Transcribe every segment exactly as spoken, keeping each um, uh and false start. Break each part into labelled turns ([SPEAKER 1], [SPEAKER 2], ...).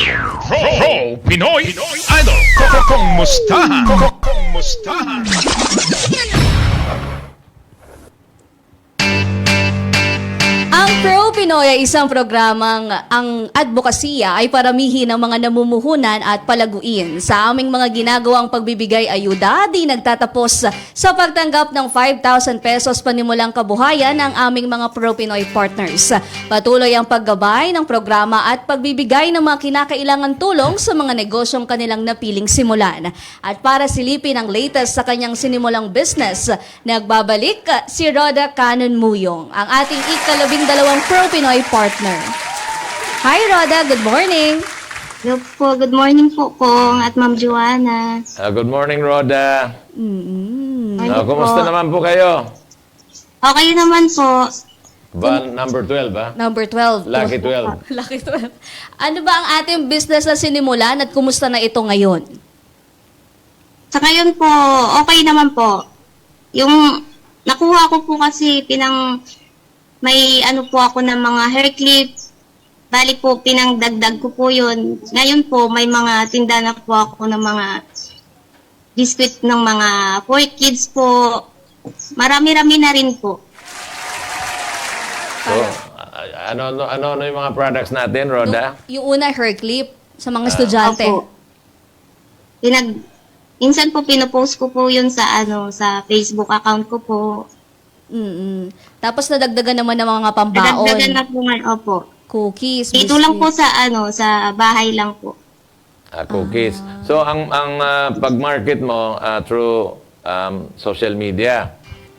[SPEAKER 1] Pro, Pro Pinoy Idol. Kumustahan? Kumustahan?
[SPEAKER 2] Ang Pro Pinoy ay isang programang ang advokasya ay paramihin ng mga namumuhunan at palaguin. Sa aming mga ginagawang pagbibigay ayuda, di nagtatapos sa pagtanggap ng five thousand pesos panimulang kabuhayan ng aming mga Pro Pinoy partners. Patuloy ang paggabay ng programa at pagbibigay ng mga kinakailangan tulong sa mga negosyong kanilang napiling simulan. At para silipin ang latest sa kanyang sinimulang business, nagbabalik si Roda Canon Muyong, ang ating ikalabing dalawang Pro Pinoy partner. Hi Roda, good morning.
[SPEAKER 3] Hello po, good morning po Kong at Ma'am Joanna.
[SPEAKER 4] Ah, good morning, Roda.
[SPEAKER 2] Mm-hmm.
[SPEAKER 4] Ah, kumusta naman po kayo?
[SPEAKER 3] Okay naman po.
[SPEAKER 4] Ba, number twelve, ha?
[SPEAKER 2] Number twelve.
[SPEAKER 4] Lucky twelve.
[SPEAKER 2] Lucky twelve. Ano ba ang ating business na sinimulan at kumusta na ito ngayon?
[SPEAKER 3] Sa ngayon po, okay naman po. Yung nakuha ko po kasi pinang may ano po ako ng mga hair clip. Bali po, pinangdagdag ko po yun. Ngayon po, may mga tinda na po ako ng mga biscuit ng mga for kids po. Marami-rami na rin po.
[SPEAKER 4] So, ah, ano, ano, ano, ano yung mga products natin, Roda?
[SPEAKER 2] Yung, yung una, hair clip sa mga estudyante.
[SPEAKER 3] Opo. Pinag, minsan po pinopost ko po yun sa ano sa Facebook account ko po.
[SPEAKER 2] Mm-mm. Tapos nadagdagan naman ng mga pambaon.
[SPEAKER 3] Nadagdagan na po ngayon, opo.
[SPEAKER 2] Cookies,
[SPEAKER 3] Dito lang po
[SPEAKER 2] biscuits.
[SPEAKER 3] sa ano sa bahay lang po.
[SPEAKER 4] Ah, cookies. So, ang, ang ah, pag-market mo ah, through um, social media.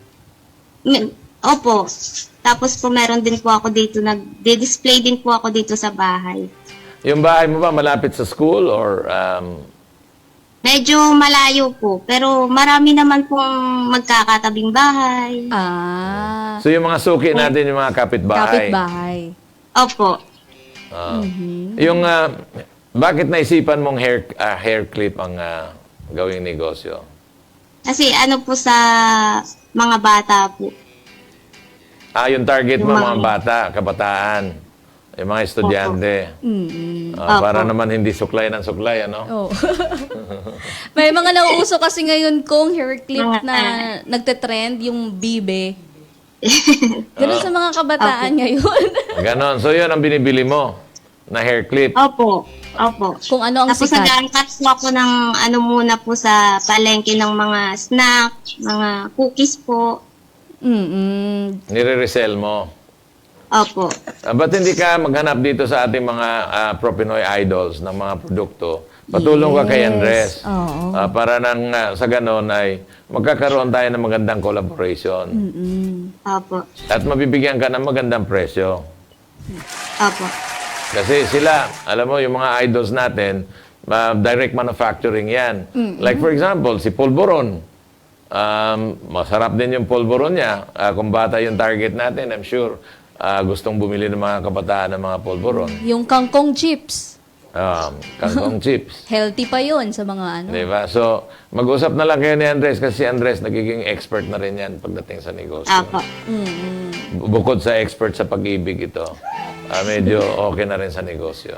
[SPEAKER 3] Mi- Opo. Tapos po meron din po ako dito, nag-display din po ako dito sa bahay.
[SPEAKER 4] Yung bahay mo ba malapit sa school or um,
[SPEAKER 3] Medyo malayo po, pero marami naman pong magkakatabing bahay.
[SPEAKER 2] Ah,
[SPEAKER 4] so yung mga suki natin, yung mga kapitbahay.
[SPEAKER 2] kapitbahay.
[SPEAKER 3] Opo.
[SPEAKER 4] Ah. Yung ah, bakit naisipan mong hair ah, hair clip ang ah, gawing negosyo?
[SPEAKER 3] Kasi ano po sa mga bata po.
[SPEAKER 4] Ah, yung target mo
[SPEAKER 3] Yung
[SPEAKER 4] mga
[SPEAKER 3] mga-
[SPEAKER 4] bata, kabataan, yung mga estudyante.
[SPEAKER 2] Mm-mm.
[SPEAKER 4] Ah, para
[SPEAKER 3] Opo.
[SPEAKER 4] naman hindi suklay ng suklay, ano?
[SPEAKER 2] Oh. May mga nauuso kasi ngayon kong hair clip
[SPEAKER 3] Mga-
[SPEAKER 2] na nagte-trend, yung bibe. Ganun sa mga kabataan ngayon.
[SPEAKER 4] Ganon. So, yun ang binibili mo na hair clip.
[SPEAKER 3] Opo. Opo.
[SPEAKER 2] Kung ano ang
[SPEAKER 3] Tapos
[SPEAKER 2] sikat.
[SPEAKER 3] nag-cut po ako ng ano muna po sa palengke ng mga snack, mga cookies po.
[SPEAKER 2] Mm-mm.
[SPEAKER 4] Nire-resell mo.
[SPEAKER 3] Opo.
[SPEAKER 4] Ah, ba't hindi ka maghanap dito sa ating mga ah, Pro Pinoy idols ng mga produkto? Patulong ka kay
[SPEAKER 2] Yes.
[SPEAKER 4] Andres.
[SPEAKER 2] Oo.
[SPEAKER 4] Ah, para nang ah, sa ganon ay magkakaroon tayo ng magandang collaboration.
[SPEAKER 2] Mm-mm.
[SPEAKER 3] Opo.
[SPEAKER 4] At mabibigyan ka ng magandang presyo.
[SPEAKER 3] Opo.
[SPEAKER 4] Kasi sila, alam mo, yung mga idols natin, ah, direct manufacturing yan. Like for example, si Polvoron. Um, masarap din yung Polvoron niya. Ah, kung bata yung target natin, I'm sure ah, gustong bumili ng mga kabataan ng mga Polvoron.
[SPEAKER 2] Yung kangkong chips.
[SPEAKER 4] Um, kangkong chips.
[SPEAKER 2] Healthy pa yon sa mga ano.
[SPEAKER 4] Di ba? So, mag-usap na lang kayo ni Andres kasi si Andres nagiging expert na rin yan pagdating sa negosyo.
[SPEAKER 3] Opo.
[SPEAKER 4] Bu- Bukod sa expert sa pag-ibig ito, ah, medyo okay na rin sa negosyo.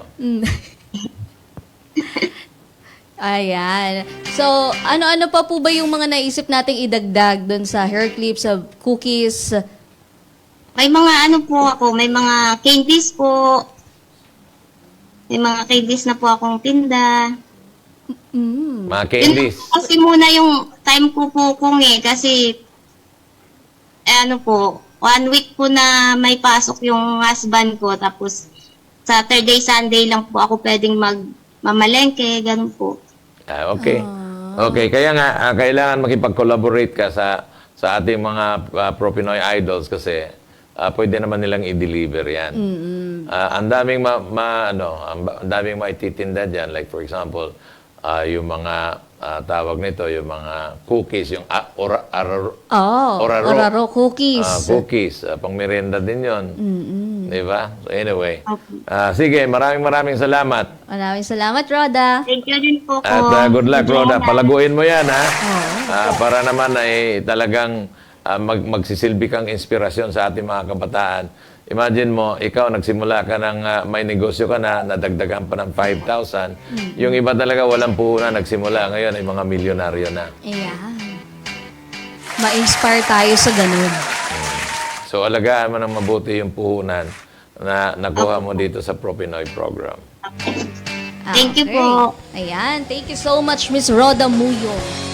[SPEAKER 2] Ayan. So, ano-ano pa po ba yung mga naisip nating idagdag doon sa hair clips, sa cookies?
[SPEAKER 3] May mga ano po ako, may mga candies po. May mga candies na po akong tinda.
[SPEAKER 2] Mm.
[SPEAKER 4] Mga
[SPEAKER 3] Yun
[SPEAKER 4] candies.
[SPEAKER 3] po kasi muna yung time ko po kung eh, kasi eh, ano po, one week po na may pasok yung husband ko, tapos Saturday, Sunday lang po ako pwedeng magmamalengke, ganun po.
[SPEAKER 4] Ah, okay. Okay, kaya nga ah, kailangan makipag-collaborate ka sa sa ating mga ah, Pro Pinoy idols kasi ah, pwede naman nilang i-deliver 'yan. Ah, ang daming ma, ma- ano, ang ba- ang daming maititinda diyan, like for example, ah, yung mga ah, tawag nito, yung mga cookies, yung ah, ora, araro,
[SPEAKER 2] Oh,
[SPEAKER 4] Oraro.
[SPEAKER 2] oraro cookies.
[SPEAKER 4] ah, cookies, ah, pang merienda din 'yon. Di ba? So anyway,
[SPEAKER 3] Okay.
[SPEAKER 4] ah, sige, maraming maraming salamat.
[SPEAKER 2] Maraming salamat, Roda.
[SPEAKER 3] Thank you din po ko.
[SPEAKER 4] At uh, good luck, Roda. Palaguin mo yan, ha?
[SPEAKER 2] Oo.
[SPEAKER 4] Ah, para naman ay talagang ah, mag magsisilbi kang inspirasyon sa ating mga kabataan. Imagine mo, ikaw nagsimula ka ng ah, may negosyo ka na, nadagdagan pa ng five thousand. Yung iba talaga walang puhunan, nagsimula ngayon ay mga milyonaryo na.
[SPEAKER 2] Ayan. Ma-inspire tayo sa ganun.
[SPEAKER 4] So alagaan mo ng mabuti yung puhunan na nakuha mo dito sa ProPinoy program.
[SPEAKER 3] Thank you
[SPEAKER 2] Okay.
[SPEAKER 3] po.
[SPEAKER 2] Ayan. Thank you so much, Miss Rhoda Muyo.